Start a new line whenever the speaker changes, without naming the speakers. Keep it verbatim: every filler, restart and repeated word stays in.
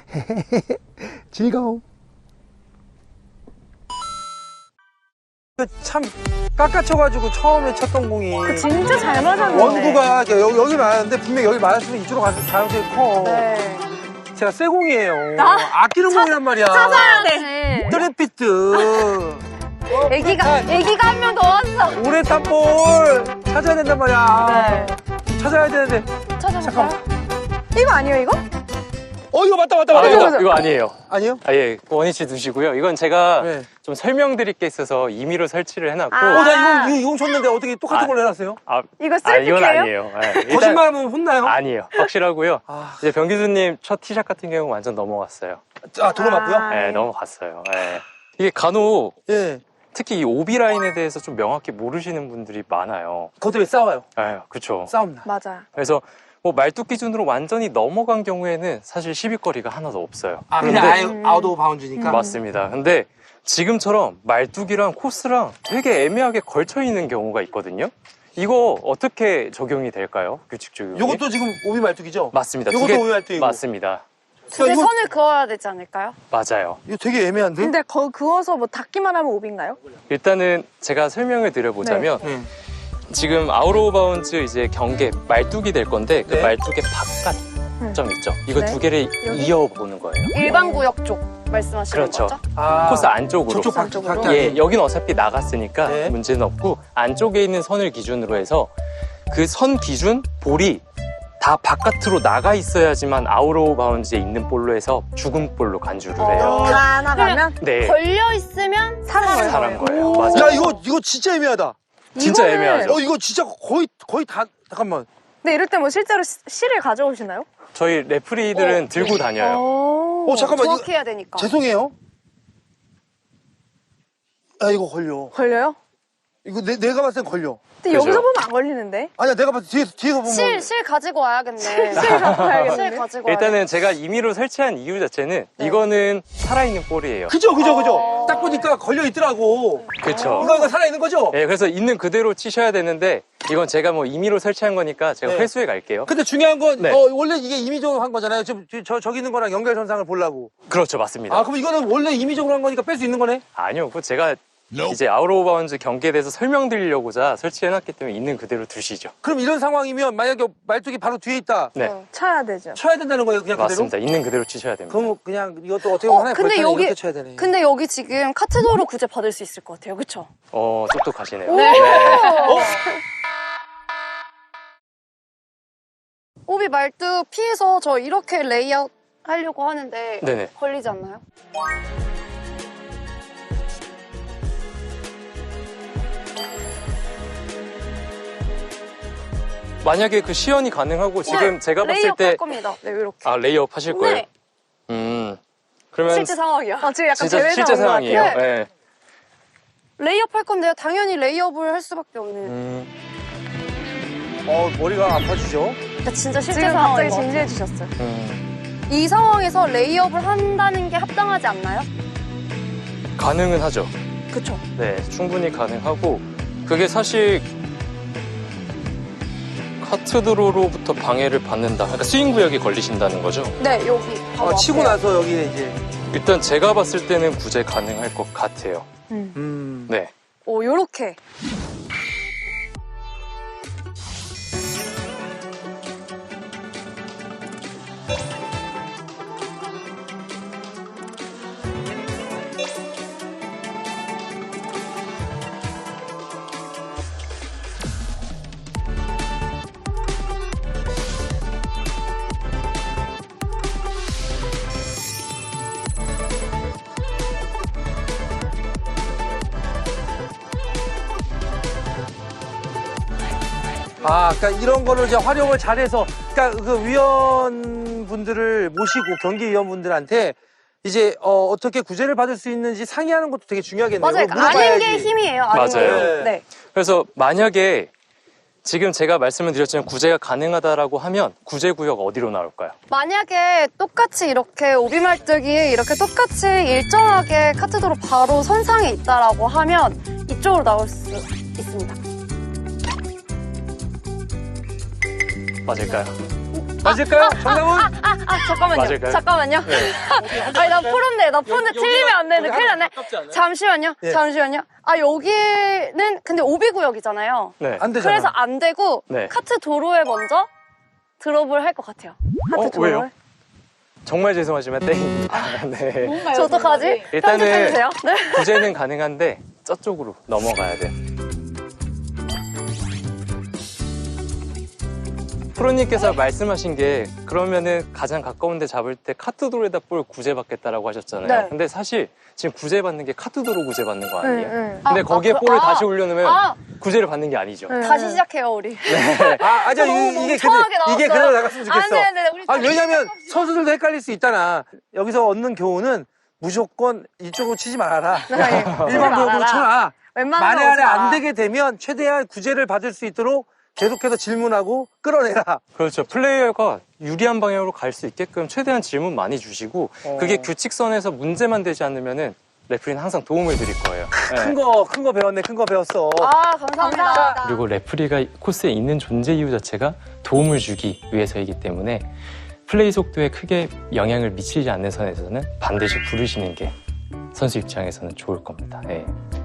즐거움. 참 깎아쳐가지고 처음에 쳤던 공이
그 진짜 잘 맞았는데.
원구가 여기, 여기 맞았는데 분명 여기 맞았으면 이쪽으로 갈 가능성이 커.
네.
제가 새 공이에요.
아,
아끼는 공이란 말이야.
찾아야 돼.
트리피트.
애기가 애기가 한 명 더 왔어.
오래 탄 볼 찾아야 된단 말이야.
네.
찾아야 되는데.
찾아볼까요? 이거 아니에요 이거?
어 이거 맞다 맞다
아,
맞다.
이거, 이거 아니에요.
아니요?
아, 예, 원위치 두시고요. 이건 제가
네.
좀 설명드릴 게 있어서 임의로 설치를 해놨고.
아.
어, 나 이거, 이거, 이거 줬는데 어떻게 똑같은
아.
걸로 해놨어요?
아,
이거
아,
셀피예요?
이건 아니에요. 예, 일단-
거짓말하면 혼나요?
아니에요. 확실하고요.
아,
이제 변기수님 첫 티샷 같은 경우 완전 넘어갔어요.
아 도로 맞고요?
아.
예,
네.
넘어갔어요. 예. 이게 간혹
예.
특히 이 오비 라인에 대해서 좀 명확히 모르시는 분들이 많아요.
그것 때문에 싸워요.
예, 그쵸.
싸움 나.
맞아요.
그래서 뭐 말뚝 기준으로 완전히 넘어간 경우에는 사실 시비거리가 하나도 없어요.
아, 그냥 아예 아웃 오브 바운드니까?
맞습니다. 근데 지금처럼 말뚝이랑 코스랑 되게 애매하게 걸쳐 있는 경우가 있거든요. 이거 어떻게 적용이 될까요? 규칙 적용이?
요것도 지금 오비 말뚝이죠?
맞습니다.
요것도
두 개-
오비 말뚝이고.
맞습니다.
근데
이거-
선을 그어야 되지 않을까요?
맞아요.
이거 되게 애매한데?
근데 거, 그어서 뭐 닿기만 하면 오비인가요?
일단은 제가 설명을 드려보자면
네.
지금 아웃 오브 바운즈 이제 경계 말뚝이 될 건데 그
네.
말뚝의 바깥점 있죠. 이거
네.
두 개를
여기?
이어보는 거예요.
일반 구역 쪽 말씀하시는
그렇죠.
거죠?
아,
코스 안쪽으로.
저쪽 바,
안쪽으로?
밖에
예,
안
여기는 어차피 나갔으니까
네.
문제는 없고 안쪽에 있는 선을 기준으로 해서 그 선 기준 볼이 다 바깥으로 나가 있어야지만 아웃 오브 바운즈에 있는 볼로 해서 죽은 볼로 간주를 해요.
다 나가면?
네,
걸려 있으면 사는 거예요.
사는 거예요.
오.
맞아요.
야, 이거, 이거 진짜 애매하다.
진짜
이거는-
애매하죠.
어, 이거 진짜 거의, 거의 다, 잠깐만.
근데 이럴 때 뭐 실제로 시- 실을 가져오시나요?
저희 레프리들은 들고 다녀요.
오.
어, 잠깐만, 이거-
정확해야 되니까.
죄송해요. 아, 이거 걸려.
걸려요?
이거 내, 내가 봤을 땐 걸려.
근데
그죠?
여기서 보면 안 걸리는데?
아니야, 내가 봤을 때 뒤에서, 뒤에서 보면.
실, 실 가지고 와야겠네.
실 갖고 와야겠는데?
실 가지고
일단은 제가 임의로 설치한 이유 자체는
네.
이거는 살아있는 볼이에요.
그죠, 그죠, 그죠.
어.
딱 보니까 걸려 있더라고.
그렇죠.
이거, 이거 살아있는 거죠?
예, 그래서 있는 그대로 치셔야 되는데 이건 제가 뭐 임의로 설치한 거니까 제가
네.
회수해 갈게요.
근데 중요한 건,
네.
어, 원래 이게 임의적으로 한 거잖아요. 지금 저, 저기 있는 거랑 연결선상을 보려고.
그렇죠, 맞습니다.
아, 그럼 이거는 원래 임의적으로 한 거니까 뺄 수 있는 거네?
아니요, 그거 제가 이제 아웃 오브 바운즈 경기에 대해서 설명드리려고자 설치해놨기 때문에 있는 그대로 두시죠.
그럼 이런 상황이면 만약에 말뚝이 바로 뒤에 있다.
네,
어, 쳐야 되죠.
쳐야 된다는 거예요, 그냥
맞습니다. 있는 그대로 치셔야 됩니다.
그대로? 그럼 그냥 이것도 어떻게 보면
어,
하나의
근데
벌타는
여기-
이렇게 쳐야 되네.
근데 여기 지금 카트도로 구제 받을 수 있을 것 같아요. 그쵸?
어, 똑똑하시네요.
네.
어?
오비 말뚝 피해서 저 이렇게 레이아웃 하려고 하는데
네네.
걸리지 않나요?
만약에 그 시연이 가능하고 지금
네,
제가 봤을
레이업
때
할 겁니다. 네, 이렇게.
아, 레이업 하실 거예요?
네.
음, 그러면
실제 상황이야.
아, 지금 약간
진짜
대회
실제
상황인 것
상황이에요.
같아요.
같아요.
네.
레이업 할 건데요. 당연히 레이업을 할 수밖에 없는.
음,
어, 머리가 아파지죠?
그러니까 진짜 실제
지금
상황인
갑자기
것 같아요.
진지해지셨어요.
음,
이 상황에서 레이업을 한다는 게 합당하지 않나요?
가능은 하죠.
그쵸.
네, 충분히 가능하고 그게 사실 카트드로로부터 방해를 받는다. 그러니까 스윙 구역에 걸리신다는 거죠.
네, 여기. 바로
어, 치고
앞에요.
나서 여기 이제.
일단 제가 봤을 때는 구제 가능할 것 같아요.
음.
네.
오, 요렇게.
아, 그러니까 이런 거를 이제 활용을 잘해서, 그러니까 그 위원분들을 모시고 경기위원분들한테 이제 어, 어떻게 구제를 받을 수 있는지 상의하는 것도 되게 중요하겠네요.
맞아요.
그걸
아는
물어봐야지.
게 힘이에요. 아는
맞아요.
게. 네.
그래서 만약에 지금 제가 말씀을 드렸지만 구제가 가능하다라고 하면 구제 구역 어디로 나올까요?
만약에 똑같이 이렇게 오비말뚝이 이렇게 똑같이 일정하게 카트도로 바로 선상에 있다라고 하면 이쪽으로 나올 수 있습니다.
맞을까요?
맞을까요? 정답은?
아, 잠깐만요.
맞을까요?
잠깐만요.
네.
아니, 나 프로인데, 나 프로인데
여기-
틀리면 안 되는데,
여기
큰일 났네.
가깝지 않아요?
잠시만요.
예.
잠시만요. 아, 여기는 근데 오비 구역이잖아요.
네.
안 되잖아.
그래서 안 되고,
네.
카트 도로에 먼저 드롭을 할 것 같아요.
하트
어,
도로를.
왜요? 정말 죄송하지만 땡입니다. 네.
저 어떡하지?
일단은
편집해주세요. 네.
구제는 가능한데 저쪽으로 넘어가야 돼요. 프로님께서 말씀하신 게 그러면은 가장 가까운 데 잡을 때 카트도로에다 볼 구제받겠다라고 하셨잖아요.
네.
근데 사실 지금 구제받는 게 카트도로 구제받는 거 아니에요?
네, 네.
근데
아,
거기에
아,
볼을
아,
다시 올려놓으면
아.
구제를 받는 게 아니죠.
네.
다시 시작해요, 우리.
아, 아니야.
너무
이- 이게,
멍청하게
근데, 이게
나왔어요.
그대로 나갔으면 좋겠어.
안 돼, 안 돼. 우리
아,
다시
왜냐면
시작합시다.
선수들도 헷갈릴 수 있잖아. 여기서 얻는 교훈은 무조건 이쪽으로 치지 말아라.
네.
일반 구역으로 쳐라.
웬만하면
만에 안에
오지 마.
안 되게 되면 최대한 구제를 받을 수 있도록 계속해서 질문하고 끌어내라.
그렇죠. 플레이어가 유리한 방향으로 갈 수 있게끔 최대한 질문 많이 주시고
어.
그게 규칙선에서 문제만 되지 않으면은 레프리는 항상 도움을 드릴 거예요. 네.
큰 거, 큰 거 배웠네. 큰 거 배웠어.
아, 감사합니다.
그리고 레프리가 코스에 있는 존재 이유 자체가 도움을 주기 위해서이기 때문에 플레이 속도에 크게 영향을 미치지 않는 선에서는 반드시 부르시는 게 선수 입장에서는 좋을 겁니다. 예.